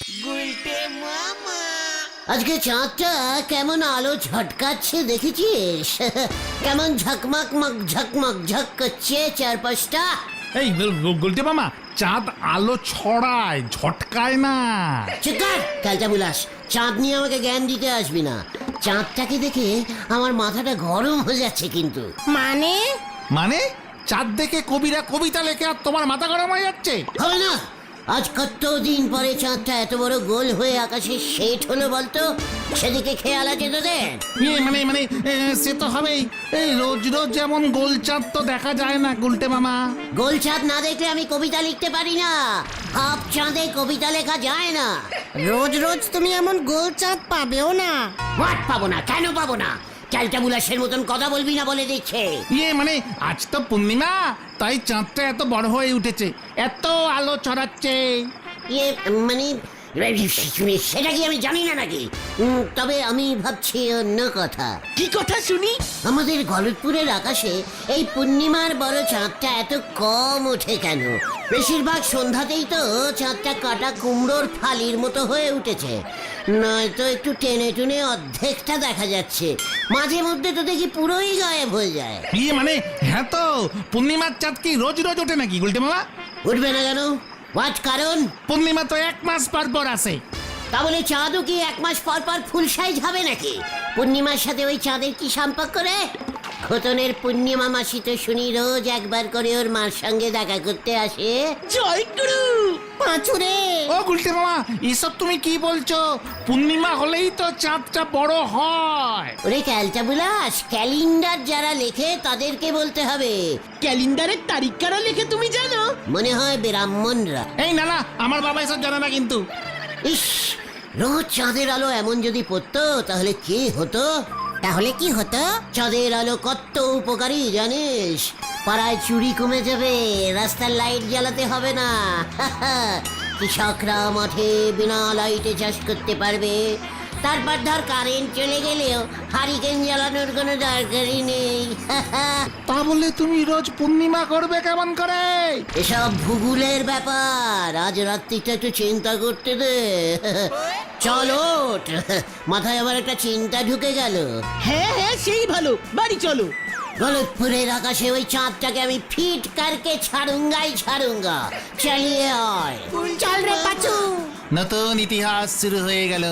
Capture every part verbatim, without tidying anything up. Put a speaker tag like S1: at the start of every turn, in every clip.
S1: আজকে চাঁদটা কেমন আলো ঝটকাচ্ছে দেখেছিস? কেমন ঝকমক মক ঝকমক ঝক করছে চারপাশটা।
S2: এই গুলটে মামা, চাঁদ আলো ছড়ায়, ঝটকায় না।
S1: চিকার ক্যালটা বুলাস, চাঁদ নিয়ে আমাকে জ্ঞান দিতে আসবি না। চাঁদটাকে দেখে আমার মাথাটা গরম হয়ে যাচ্ছে কিন্তু।
S3: মানে
S2: মানে চাঁদ দেখে কবিরা কবিতা লেখে আর তোমার মাথা গরম হয়ে যাচ্ছে?
S1: হবে না, আজ কত দিন পরে চাঁদটা এত বড় গোল হয়ে আকাশে সেট হলো বলতো? সেদিকে খেয়াল আছে তোদের?
S2: ইয়ে মানে মানে এ, সে তো হবেই। এই রোজ রোজ যেমন গোল চাঁদ তো দেখা যায় না গুলটে মামা।
S1: গোল চাঁদ না দেখলে আমি কবিতা লিখতে পারি না। হাফ চাঁদে কবিতা লেখা যায় না।
S3: রোজ রোজ তুমি এমন গোল চাঁদ পাবেও না।
S1: হোয়াট পাবো না? কেন পাবো না? ক্যালটা বুলাসের মতন কথা বলবি না বলে দিচ্ছে।
S2: ইয়ে মানে আজ তো পূর্ণিমা, তাই চাঁদটা এত বড় হয়ে উঠেছে, এত আলো ছড়াচ্ছে।
S1: ইয়ে মানে সেটা কি আমি জানি না নাকি? উম, তবে আমি ভাবছি অন্য কথা।
S4: কি কথা শুনি?
S1: আমাদের গলতপুরের আকাশে এই পূর্ণিমার বড় চাঁদটা এত কম ওঠে কেন? বেশিরভাগ সন্ধ্যাতেই তো চাঁদটা কাটা কুমড়োর ফালির মতো হয়ে উঠেছে, নয়তো একটু টেনে টুনে অর্ধেকটা দেখা যাচ্ছে। মাঝে মধ্যে তো দেখি পুরোই গায়েব হয়ে যায়।
S2: ইয়ে মানে হ্যাঁ তো, পূর্ণিমার চাঁদ কি রোজ রোজ ওঠে নাকি গুলটে মামা?
S1: উঠবে না কেন? হোয়াট কারণ?
S2: পূর্ণিমা তো এক মাস পর পর আসে।
S1: তা বলে চাঁদও কি এক মাস পর পর ফুল সাইজ হবে নাকি? পূর্ণিমার সাথে ওই চাঁদের কি সম্পর্ক রে? খতনের পূর্ণিমা মাসি তো শুনি রোজ একবার করে ওর মার সঙ্গে দেখা করতে আসে।
S4: জয় গুরু
S3: পাঁচুরে
S2: ও গুলটে মামা, এসব তুমি কি বলছো? পূর্ণিমা হলেই তো চাঁদটা বড় হয়।
S1: ওরে ক্যালটা বুলাস, ক্যালেন্ডার যারা লেখে তাদেরকে বলতে হবে।
S4: ক্যালেন্ডারের তারিখ কারা লেখে তুমি জানো?
S1: মনে হয় ব্রাহ্মণরা।
S2: এই না না, আমার বাবা এসব জানে না কিন্তু।
S1: ইস, রোজ চাঁদের আলো এমন যদি পড়তো তাহলে কি হতো?
S3: তাহলে কি হতো?
S1: চাঁদের আলো কত উপকারী জানিস? পাড়ায় চুরি কমে যাবে, রাস্তার লাইট জ্বালাতে হবে না, কৃষকরা মাঠে বিনা লাইটে চাষ করতে পারবে। তারপর ধর কারেন্ট চলে গেলেও হারিকেন জ্বালানোর কোনো দরকারই নেই।
S2: তা বলে তুমি রোজ পূর্ণিমা করবে কেমন করে?
S1: এসব ভূগোলের ব্যাপার, আজ রাত্রিটা একটু চিন্তা করতে দে। চলো, মাথায় আবার একটা চিন্তা ঢুকে গেল।
S4: হ্যাঁ হ্যাঁ সেই ভালো, বাড়ি চলো।
S1: গলতপুরের আকাশে ওই চাঁদটাকে আমি ফিট কারকে ছাড়ুঙ্গাই ছাড়ুঙ্গা। চালিয়ে আয়।
S3: চল রে পাঁচু।
S2: নতুন ইতিহাস শুরু হয়ে গেল।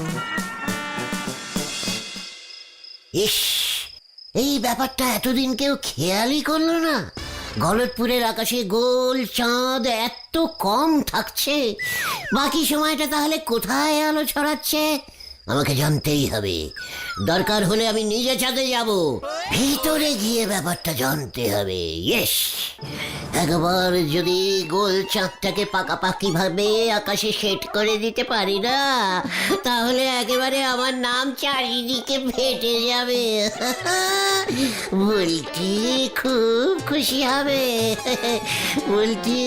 S1: ইস, এই ব্যাপারটা এতদিন কেউ খেয়ালই করলো না। গলতপুরের আকাশে গোল চাঁদ এত কম থাকছে, বাকি সময়টা তাহলে কোথায় আলো ছড়াচ্ছে? আমাকে জানতেই হবে। দরকার হলে আমি নিজে চাঁদে যাব, ভিতরে গিয়ে ব্যাপারটা জানতে হবে। ইয়েস, একবার যদি গোল চাঁদটাকে পাকাপাকি ভাবে আকাশে সেট করে দিতে পারি না, তাহলে একেবারে আমার নাম চারিদিকে ফেটে যাবে। বলটি খুব খুশি হবে। বলটি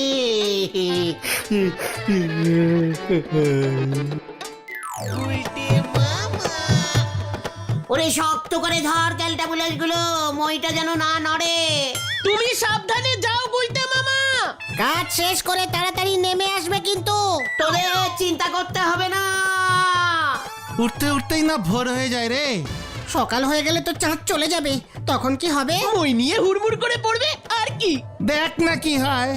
S1: ওরে শক্ত করে ধর ক্যালটা বুলাস গুলো, মইটা যেন না নড়ে।
S4: তুমি সাবধানে যাও গুলটে মামা।
S3: কাজ শেষ করে তাড়াতাড়ি নেমে আসবে কিন্তু।
S1: তোদের চিন্তা করতে হবে না।
S2: উঠতে উঠতেই না ভোর হয়ে যায় রে।
S3: সকাল হয়ে গেলে তো চাঁদ চলে যাবে, তখন কি হবে?
S4: মই নিয়ে হুড়মুড় করে পড়বে আর কি।
S2: দেখ না কি হয়।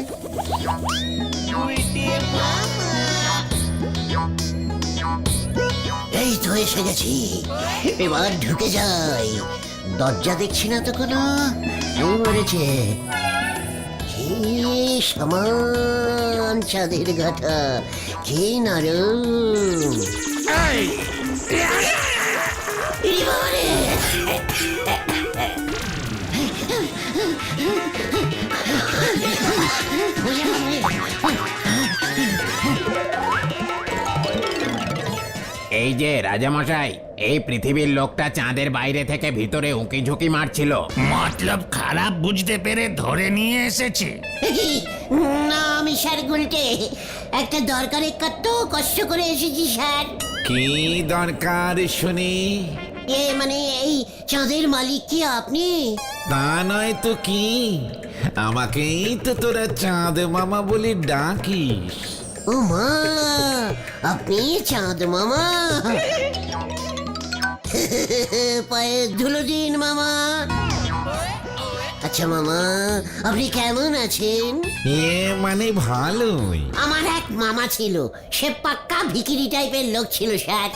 S1: এই তো এসে গেছি, এবার ঢুকে যাই। দরজা দেখছি না তো কোনো, এই মরেছে। কি সমান চাঁদের ঘাটা, কি নরম। ইরে বাবারে!
S5: এই যে রাজামশাই, এই পৃথিবীর লোকটা চাঁদের বাইরে থেকে ভিতরে উঁকি ঝুঁকি মারছিল।
S2: মতলব খারাপ বুঝতে পেরে ধরে নিয়ে এসেছে।
S1: না, আমি স্যার গুলটে, একটা দরকারে কত কষ্ট করে এসেছি স্যার।
S5: কি দরকার শুনি?
S1: এ মানে এই চাঁদের মালিক কি আপনি?
S5: তা নয় তো কি, আমাকেই তো তোরা চাঁদ মামা বলে ডাকিস।
S1: ও মা, আপনি চাঁদ মামা পায়ে ধুলো দিন মামা। আচ্ছা মামা, আপনি কেমন আছেন?
S2: এ মানে ভালোই।
S1: আমার এক মামা ছিল, সে পাক্কা ভিকিরি টাইপের লোক ছিল স্যার।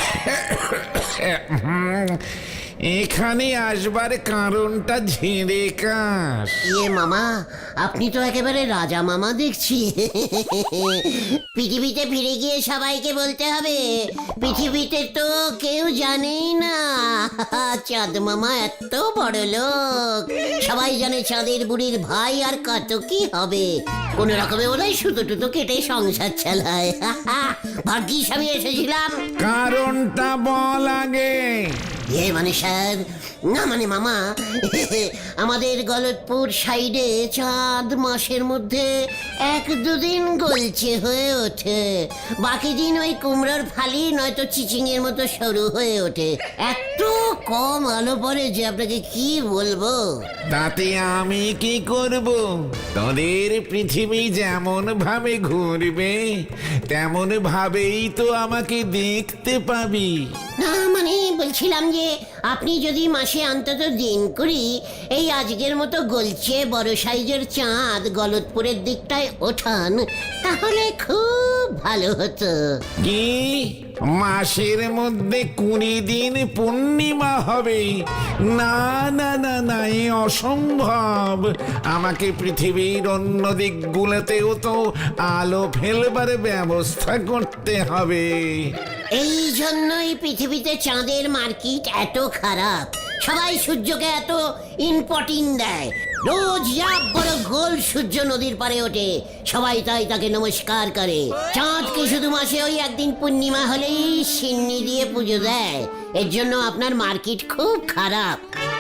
S2: এখানে আসবার কারণটা ঝেড়ে কাশ।
S1: ইয়ে মামা, আপনি তো একেবারে রাজা মামা দেখছি। পৃথিবীতে ফিরে গিয়ে সবাইকে বলতে হবে, পৃথিবীতে তো কেউ জানেই না চাঁদ মামা এত বড় লোক। সবাই জানে চাঁদের বুড়ির ভাই আর কত কি হবে, কোন রকমে বোধহয় সুতো টুতো কেটে সংসার চালায়। ভাগ্যিস আমি এসেছিলাম।
S2: কারণটা বল আগে।
S1: এ মানে স্যার, না মানে মামা, আমাদের গলতপুর সাইডে চাঁদ মাসের মধ্যে এক দুদিন গলছে হয়ে ওঠে, বাকি দিন ওই কুমড়োর ফালি নয়তো চিচিং এর মতো সরু হয়ে ওঠে। এত কম আলো পড়ে যে আপনাকে কি বলবো।
S2: তাতে আমি কি করব? তোদের পৃথিবী যেমন ভাবে ঘুরবে তেমন ভাবেই তো আমাকে দেখতে পাবি।
S1: না মানে বলছিলাম যে আপনি যদি মাসে অন্তত দিন করি এই আজকের মতো গলছে বড় সাইজের চাঁদ গলতপুরের দিকটায় ওঠান, তাহলে খুব ভালো হতো।
S2: কি মাসের মধ্যে কুড়ি দিন পূর্ণিমা হবে? না না না না, এ অসম্ভব। আমাকে পৃথিবীর অন্য দিকগুলোতেও তো আলো ফেলবার ব্যবস্থা করতে হবে।
S1: এই জন্যই পৃথিবীতে চাঁদের মার্কেট এত খারাপ। সবাই সূর্যকে এত ইম্পর্টেন্ট দেয়। রোজ এক বড় গোল সূর্য নদীর পারে ওঠে, সবাই তাই তাকে নমস্কার করে। চাঁদকে শুধু মাসে ওই একদিন পূর্ণিমা হলেই সিন্নি দিয়ে পুজো দেয়। এর জন্য আপনার মার্কেট খুব খারাপ।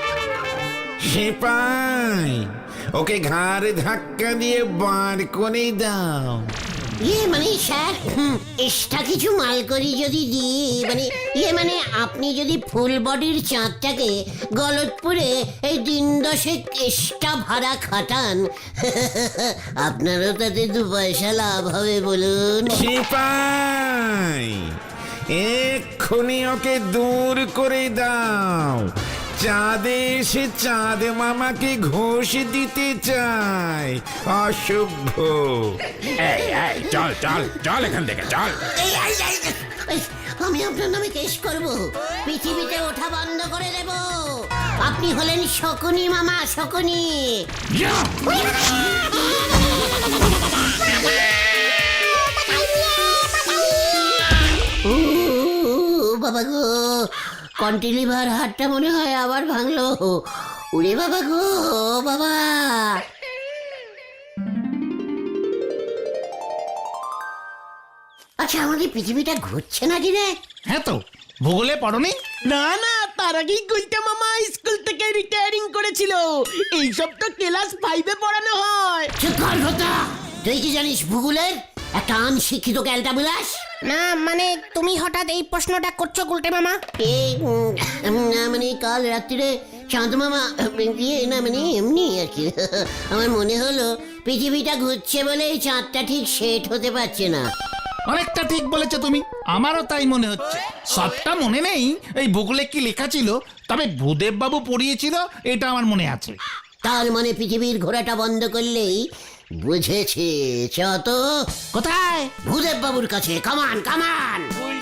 S2: সিপাই, ওকে ঘাড়ে ধাক্কা দিয়ে বার করে দাও।
S1: ইয়ে মানে স্যার, এক্সট্রা কিছু মাল করি যদি দিই, মানে ইয়ে মানে আপনি যদি ফুল বডির চাঁদটাকে গলতপুরে এই দিন দশেক এক্সট্রা ভাড়া খাটান, আপনারও তাতে দু পয়সা লাভ হবে বলুন।
S2: সিপাই, এক্ষুনি ওকে দূর করে দাও। চাঁদে এসে চাঁদ মামাকে ঘোষ দিতে চায়, অসভ্য।
S5: এই এই চল চল চল এখান থেকে চল।
S1: এই, এই, এই, এই, আমি আপনার নামে কেস করব, পৃথিবীতে ওঠা বন্ধ করে দেব। আপনি হলেন শকুনি মামা, শকুনি। ও বাবা গো, কন্টিলিভার হাটটা মনে হয় আবার ভাঙলো। উড়ে বাবা গো বাবা। আচ্ছা, আমাদের পৃথিবীটা ঘুরছে নাকি রে?
S2: হ্যাঁ তো, ভূগোলে পড়নি?
S4: না না, তার আগেই গুলটা মামা স্কুল থেকে রিটায়ারিং করেছিল। এইসব তো ক্লাস ফাইভে পড়ানো হয়।
S1: চুপ কর ভোতা, তুই কি জানিস ভূগোলের? একটা আনশিক্ষিত ক্যালটা বিলাস।
S3: না মানে তুমি হঠাৎ এই প্রশ্নটা করছো গুলটে মামা?
S1: এই উম, না মানে কাল রাত্রিরে চাঁদ মামা ইয়ে না মানে এমনি আর কি, আমার মনে হলো পৃথিবীটা ঘুরছে বলে এই চাঁদটা ঠিক সেট হতে পারছে না।
S2: অনেকটা ঠিক বলেছো তুমি, আমারও তাই মনে হচ্ছে। সবটা মনে নেই এই ভূগোলে কি লেখা ছিল, তবে ভূদেব বাবু পড়িয়েছিল এটা আমার মনে আছে।
S1: তার মানে পৃথিবীর ঘোরাটা বন্ধ করলেই বুঝেছে। চত
S2: কোথায়?
S1: ভূদেব বাবুর কাছে, কামান কামান।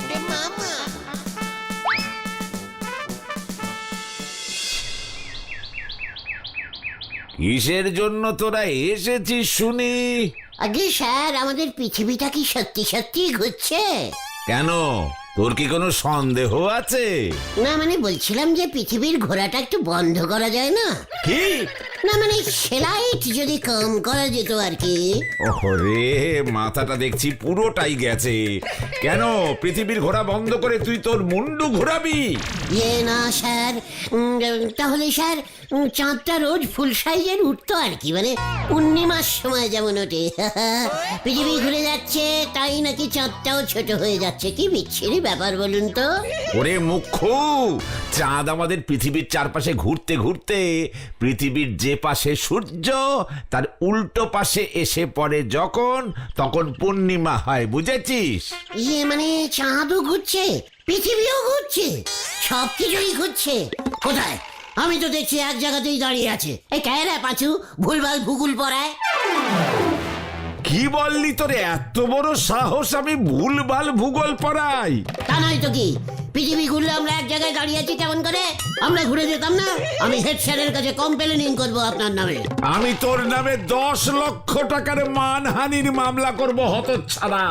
S6: কিসের জন্য তোরা এসেছিস শুনি?
S1: আগে স্যার, আমাদের পৃথিবীটা কি সত্যি সত্যি ঘুরছে?
S6: কেন, তোর কি কোনো সন্দেহ আছে?
S1: না মানে বলছিলাম যে পৃথিবীর ঘোরাটা একটু বন্ধ করা যায় না?
S6: কি?
S1: না মানে সেলাইট যদি কম করা যেত আর কি।
S6: ওরে, মাথাটা দেখছি পুরোটাই গেছে। কেন, পৃথিবীর ঘোরা বন্ধ করে তুই তোর মুন্ডু ঘোরাবি?
S1: ইয়ে না স্যার, উম, তাহলে স্যার উম, চাঁদটা রোজ ফুল সাইজের উঠতো আর কি, মানে পূর্ণিমার সময় যেমন ওঠে। পৃথিবী ঘুরে যাচ্ছে তাই নাকি চাঁদটাও ছোট হয়ে যাচ্ছে। কি বিচ্ছিরি ব্যাপার বলুন তো?
S6: ওরে মুখ্য, চাঁদ আমাদের পৃথিবীর চারপাশে ঘুরতে ঘুরতে পৃথিবীর যে পাশে সূর্য তার উল্টো পাশে এসে পড়ে যখন, তখন পূর্ণিমা হয়, বুঝেছিস?
S1: ইয়ে মানে চাঁদও ঘুরছে, পৃথিবীও ঘুরছে, সবকিছুই ঘুরছে। কোথায়? আমি তো দেখছি এক জায়গাতেই দাঁড়িয়ে আছে। এই কেরা পাঁচু ভুলভাল ভূগোল পড়ায়?
S6: কি বললি, তোরে এত বড় সাহস আমি ভুলভাল ভূগোল পড়াই?
S1: তা নয় তো কি, পৃথিবী ঘুরলে আমরা এক জায়গায় দাঁড়িয়ে আছি কেমন করে? আমরা ঘুরে যেতাম না? আমি হেড স্যারের কাছে কমপ্লেনিং করবো আপনার নামে।
S6: আমি তোর নামে দশ লক্ষ টাকার মানহানির মামলা করব, হতচ্ছাড়া।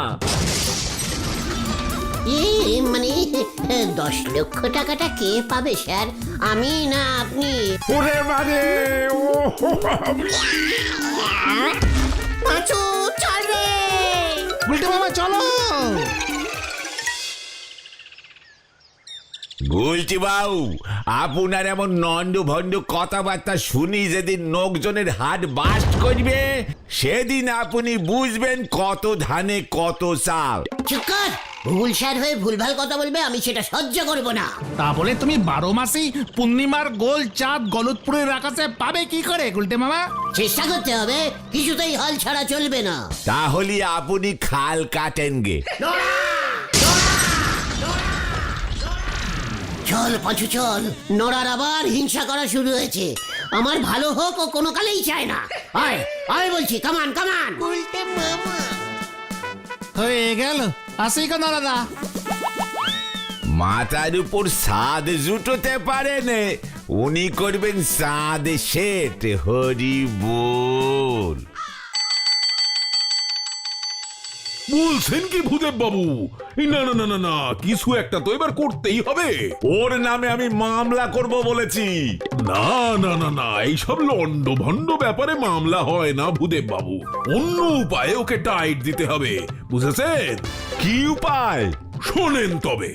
S1: ইয়ে মানে দশ লক্ষ টাকাটা কে পাবে স্যার, আমি না আপনি?
S6: ওরে মানে ও
S3: পাঁচু চল রে।
S2: গুলটে মামা চলো।
S6: বলছি বাবু, আপনার এমন নন্দ ভন্ড কথাবার্তা শুনি যেদিন লোকজনের হাট বাস্ট করবে, সেদিন আপনি বুঝবেন কত ধানে কত চাল।
S1: চুপ কর, ভুল স্যার হয়ে ভুলভাল কথা বলবে, আমি সেটা সহ্য করব না।
S2: তা বলে তুমি বারো মাসেই পূর্ণিমার গোল চাঁদ গলতপুরের আকাশে পাবে কি করে গুলটে মামা?
S1: চেষ্টা করতে হবে, কিছুতেই হাল ছাড়া চলবে না।
S6: তাহলে আপনি খাল কাটেন গে।
S1: চল পাঁচু চল, নোড়ার আবার হিংসা করা শুরু হয়েছে। আমার ভালো হোক ও কোনো কালেই চায় না। আয় আয় বলছি, কামান কামান।
S2: হয়ে গেল, আসি কেন দাদা?
S6: মাথার উপর সাদ জুটোতে পারেন, উনি করবেন সাদ শেঠ। হরি বল।
S7: বলছেন কি ভূদেব বাবু? এই না না না না না, কিছু একটা তো এবার করতেই হবে।
S6: ওর নামে আমি মামলা করব বলেছি।
S7: না না না না, এইসব লন্ড ভন্ড ব্যাপারে মামলা হয় না ভূদেব বাবু। অন্য উপায়ে ওকে টাইট দিতে হবে, বুঝেছেন?
S6: কি উপায়?
S7: শোনেন তবে।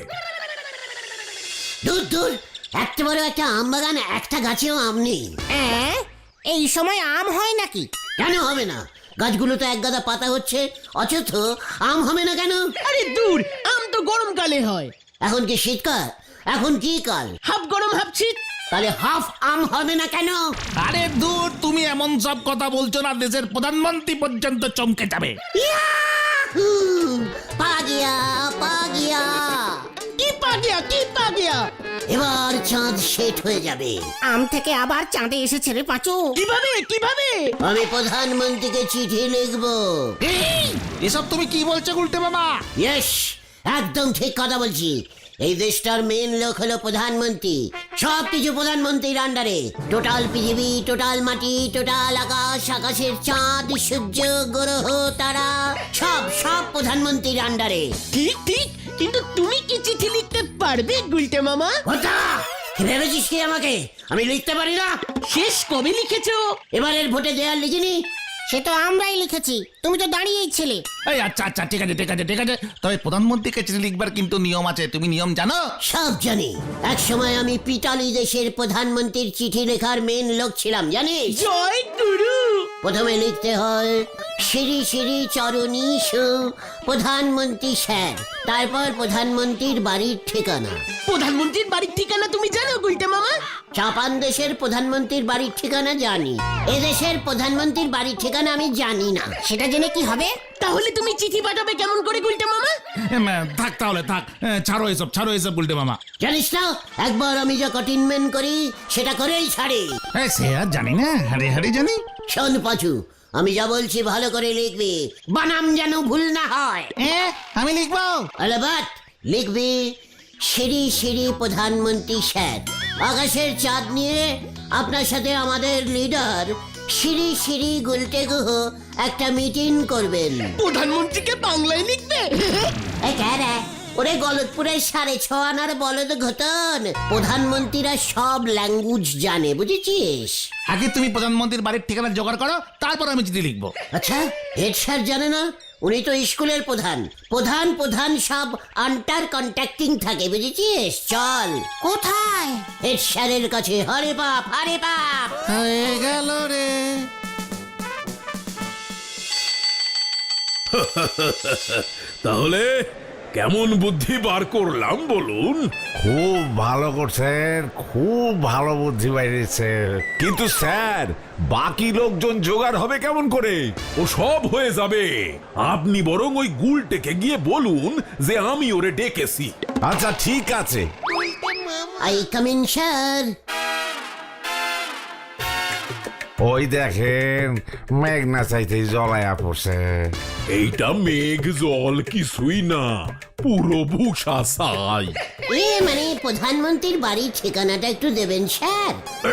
S1: দূর দূর, এত বড় একটা আম বাগান, একটা গাছেও আম নেই।
S3: হ্যাঁ, এই সময় আম হয় নাকি?
S1: কেন হবে না? গাছগুলো তো এক গাদা পাতা হচ্ছে, অথচ আম হবে না কেন?
S4: আরে দূর, আম তো গরমকালে হয়।
S1: এখন কি শীতকাল? এখন কি কাল?
S4: হাফ গরম হাফ শীত।
S1: তাহলে হাফ আম হবে না কেন?
S2: আরে দূর, তুমি এমন সব কথা বলছো না, দেশের প্রধানমন্ত্রী পর্যন্ত চমকে যাবে।
S1: ইয়াহু! পা গিয়া পা গিয়া।
S4: কি পা গিয়া, কি পা গিয়া?
S1: এবার চাঁদ শেঠ হয়ে যাবে।
S3: আম থেকে আবার চাঁদে এসেছে রে পাঁচু।
S4: কিভাবে কিভাবে?
S1: আমি প্রধানমন্ত্রীকে চিঠি লিখবো।
S2: এই, এসব তুমি কি বলছো গুলটে মামা?
S1: ইয়েস, একদম ঠিক কথা বলছি। এই দেশটার মেন লোক হলো প্রধানমন্ত্রী। সব কিছু প্রধানমন্ত্রীর আন্ডারে। টোটাল পৃথিবী, টোটাল মাটি, টোটাল আকাশ, আকাশের চাঁদ, সূর্য, গ্রহ, তারা, সব সব প্রধানমন্ত্রীর আন্ডারে।
S4: ঠিক ঠিক, কিন্তু তুমি কি চিঠি লিখতে পারবে গুলটে মামা?
S1: ওটা কি ভেবেছিস কি আমাকে আমি লিখতে পারি না?
S4: শেষ কবে লিখেছো?
S1: এবারের ভোটে দেয়ার লিখিনি।
S3: সে তো আমরাই লিখেছি, তুমি তো দাঁড়িয়েই ছিলে।
S2: এই আচ্ছা আচ্ছা, ঠিক আছে ঠিক আছে ঠিক আছে, তবে প্রধানমন্ত্রীকে চিঠি লিখবার কিন্তু নিয়ম আছে, তুমি নিয়ম জানো?
S1: সব জানি। এক সময় আমি পিটালি দেশের প্রধানমন্ত্রীর চিঠি লেখার মেন লোক ছিলাম, জানিস?
S4: জয় গুরু।
S1: প্রথমে লিখতে হয় শ্রী শ্রী চরণীশ প্রধানমন্ত্রী স্যার, তারপর প্রধানমন্ত্রীর বাড়ির ঠিকানা।
S4: প্রধানমন্ত্রীর বাড়ির ঠিকানা তুমি জানো গুলটে মামা?
S1: জাপান দেশের প্রধানমন্ত্রীর বাড়ির ঠিকানা জানি, এদেশের প্রধানমন্ত্রীর বাড়ির ঠিকানা আমি জানি না।
S3: সেটা জেনে কি হবে?
S4: তাহলে তুমি চিঠি পাঠাবে কেমন করে গুলটে মামা?
S2: এম, থাক তাহলে থাক, এ, ছাড়ো এসব ছাড়ো এসব গুলটে মামা।
S1: জানিস না, একবার আমি যা কঠিনমেন্ট করি সেটা করেই ছাড়ি।
S2: এই, সে আর জানি না, হারে হারে জানি।
S1: শোন পাচু, আমি যা বলছি ভালো করে লিখবি, বানাম যেন ভুল না হয়।
S2: এ, আমি লিখবো।
S1: আলাবাত লিখবি শ্রী শ্রী প্রধানমন্ত্রী স্যার, আকাশের চাঁদ নিয়ে আপনার সাথে আমাদের লিডার শ্রী শ্রী গুলটে গুহ একটা মিটিং করবেন।
S4: প্রধানমন্ত্রীকে বাংলায় লিখবে?
S1: এ ক্যারে, ওরে গলতপুরের সাড়ে ছ আনার বলদ ঘটন, প্রধানমন্ত্রীরা সব ল্যাঙ্গুয়েজ জানে, বুঝেছিস?
S2: আগে তুমি প্রধানমন্ত্রীর বাড়ির ঠিকানা জোগাড় করো, তারপর আমি চিঠি লিখবো।
S1: আচ্ছা, হেড স্যার জানে না? উনি তো স্কুলের প্রধান। প্রধান প্রধান সব আন্টার কন্ট্যাক্টিং থাকে, বুঝেছিস? চল।
S3: কোথায়?
S1: হেড স্যারের কাছে। হরে বাপ, হরে বাপ।
S2: হয়ে গেল রে।
S7: তাহলে কেমন বুদ্ধি বার করলাম বলুন?
S6: খুব ভালো করছেন, খুব ভালো বুদ্ধি বাইরেছে। কিন্তু স্যার, বাকি লোকজন জোগাড় হবে কেমন করে?
S7: ও সব হয়ে যাবে। আপনি বরং ওই গুলটেকে গিয়ে বলুন যে আমি ওরে ডেকেছি।
S6: আচ্ছা ঠিক আছে।
S1: I come in sir.
S6: ওই দেখেন, মেঘনা চাইতেই জলায়া পড়ছে।
S7: এইটা মেঘ জল কিছুই না, পুরো ভূষা ছাই।
S1: এ মানে প্রধানমন্ত্রীর বাড়ির ঠিকানাটা একটু দেবেন স্যার।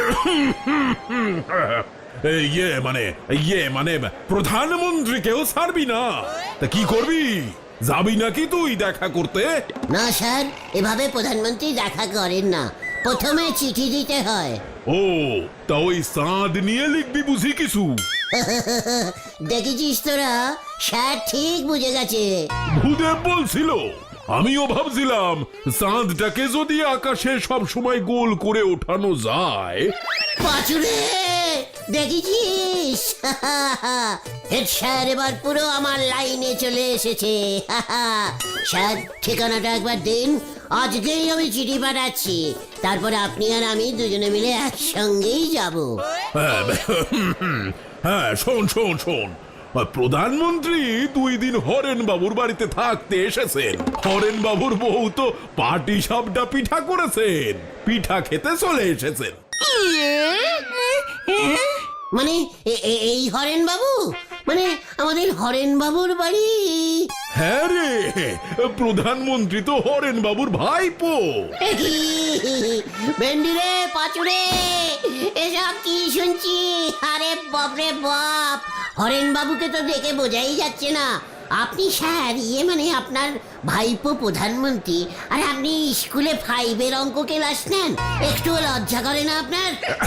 S7: এই ইয়ে মানে ইয়ে মানে প্রধানমন্ত্রীকেও ছাড়বি না? তা কি করবি? যাবি নাকি তুই দেখা করতে?
S1: না স্যার, এভাবে প্রধানমন্ত্রী দেখা করেন না, প্রথমে চিঠি দিতে হয়।
S7: ও, তা ওই চাঁদ নিয়ে লিখবি বুঝি কিছু?
S1: দেখেছিস তোরা, স্যার ঠিক বুঝে গেছে।
S7: ভূদেব বলছিল, আমিও ভাবছিলাম চাঁদটাকে যদি আকাশে সব সময় গোল করে ওঠানো যায়।
S1: পাচুরে, দেখেছিস? হেড স্যার এবার পুরো আমার লাইনে চলে এসেছে। স্যার, ঠিকানাটা একবার দিন, আজকেই আমি চিঠি পাঠাচ্ছি। তারপরে আপনি আর আমি দুজনে মিলে একসঙ্গেই যাব।
S7: হ্যাঁ, হ্যাঁ, শোন শোন শোন, প্রধানমন্ত্রী দুই দিন হরেন বাবুর বাড়িতে থাকতে এসেছেন। হরেন বাবুর বউ তো পাটি সাপটা পিঠা করেছেন, পিঠা খেতে চলে এসেছেন।
S1: মানে এ- এ- এই হরেন বাবু, মানে আমাদের হরেন বাবুর বাড়ি?
S7: হ্যাঁ রে, প্রধানমন্ত্রী তো হরেন বাবুর ভাইপো।
S1: ভেন্ডি রে, পাচুরে, এসব কি শুনছি? আরে বাপরে বাপ, হরেন বাবুকে তো দেখে বোঝাই যাচ্ছে না। আপনি স্যার, ইয়ে মানে আপনার ভাইপো প্রধানমন্ত্রী, আর আপনি স্কুলে ফাইভের অঙ্ক ক্লাস নেন, একটু লজ্জা করে না আপনার?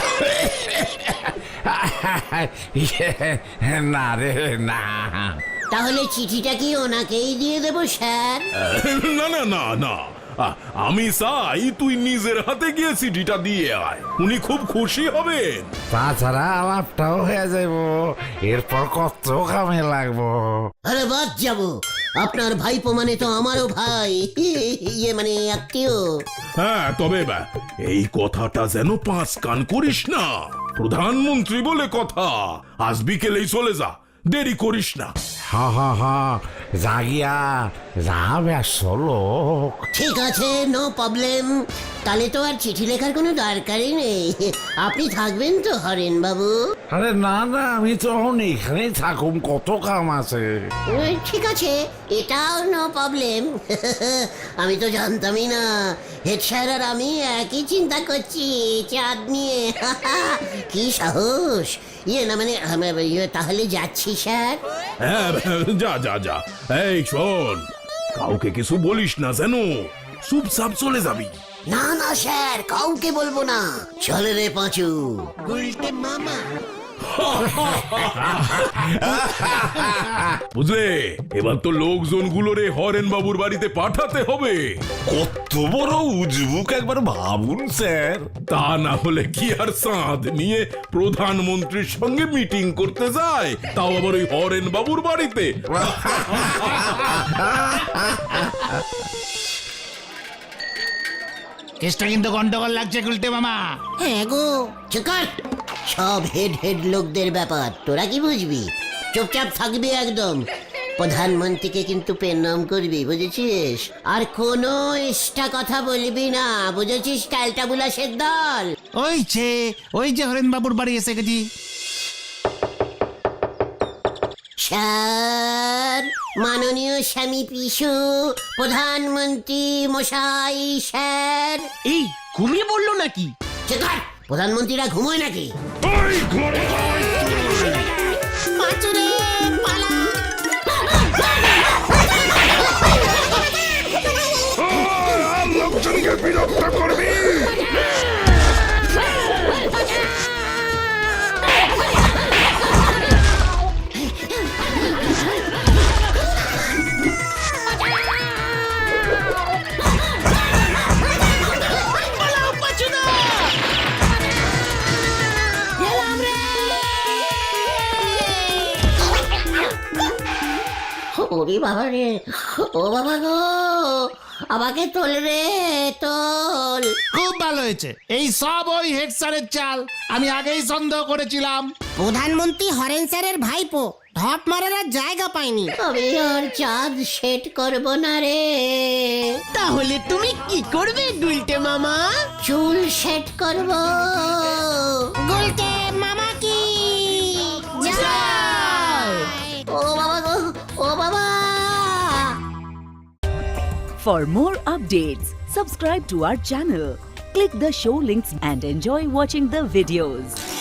S6: না রে না।
S1: তাহলে চিঠিটা কি ওনাকেই দিয়ে দেবো স্যার?
S7: না না না না, আ- আমি চাই তুই নিজের হাতে গিয়ে চিঠিটা দিয়ে আয়, উনি খুব খুশি হবেন।
S6: তাছাড়া আলাপটাও হয়ে যাব, এরপর কত কামে লাগবো।
S1: আরে বাদ যাবো, আপনার ভাইপো মানে তো আমারও ভাই, ইয়ে মানে আত্মীয়।
S7: হ্যাঁ, তবে বা, এই কথাটা যেন পাঁচ কান করিস না। প্রধানমন্ত্রী বলে কথা, আজ বিকেলেই চলে যা, দেরি করিস না।
S6: হা হা হা, জাগিয়া যা ব্যস্ত লোক।
S1: ঠিক আছে, নো প্রবলেম। তাহলে তো আর চিঠি লেখার কোনো দরকারই নেই। আপনি থাকবেন তো হরেন বাবু?
S6: আরে না না, আমি তো এখন এখানেই থাকুম, কত কাম আছে।
S1: উম, ঠিক আছে, এটাও নো প্রবলেম। আমি তো জানতামই না হেড স্যার আর আমি একই চিন্তা করছি চাঁদ নিয়ে। কি সাহস! ইয়ে না মানে আম- ইয়ে, তাহলে যাচ্ছি স্যার।
S7: হ্যাঁ, যা যা যা। এই শোন, কাউকে কিছু বলিস না যেন, চুপচাপ চলে যাবি।
S1: না না স্যার, কাউকে বলবো না। চলে রে পাঁচু।
S7: বুঝলে, এবার তো লোকজন গুলোরে হরেন বাবুর বাড়িতে পাঠাতে হবে।
S6: কত বড় উজবুক একবার ভাবুন স্যার।
S7: তা না হলে কি আর চাঁদ নিয়ে প্রধানমন্ত্রীর সঙ্গে মিটিং করতে যায়, তাও আবার ওই হরেন বাবুর বাড়িতে।
S2: কেসটা কিন্তু গন্ডগোল লাগছে গুলটে মামা।
S3: হ্যাঁ গো,
S1: চুকার, সব হেড হেড লোকদের ব্যাপার, তোরা কি বুঝবি? চুপচাপ থাকবি একদম। প্রধানমন্ত্রীকে কিন্তু প্রণাম করবি, বুঝেছিস? আর কোনো এক্সট্রা কথা বলবি না, বুঝেছিস? টালটা বুলাসের দল।
S2: ওই যে ওই যে হরেন বাবুর বাড়ি এসে গেছি।
S1: স্যার, মাননীয় স্বামী পিসু, প্রধানমন্ত্রী মশাই, স্যার।
S4: এই ঘুমিয়ে পড়লো নাকি?
S1: চুকার, প্রধানমন্ত্রীরা ঘুমোয় নাকি?
S3: পাঁচুরে, পালা।
S6: লোকজনকে বিরক্ত করবি।
S1: ওরে বাবা রে, ও বাবা গো, আমাকে তোল রে তোল।
S2: খুব ভালো হয়েছে, এই সব ওই হেড স্যারের চাল, আমি আগেই সন্দেহ করেছিলাম।
S3: প্রধানমন্ত্রী হরেন স্যারের ভাইপো ধপ মারার আর জায়গা পায়নি।
S1: আমি আর চাঁদ সেট করব না রে,
S4: তাহলে তুমি কি করবে গুলটে মামা?
S1: চুল সেট করব।
S3: গুলটে মামা কি জয়।
S1: ও বাবা গো, ও বাবা।
S8: For more updates, subscribe to our channel, click the show links and enjoy watching the videos.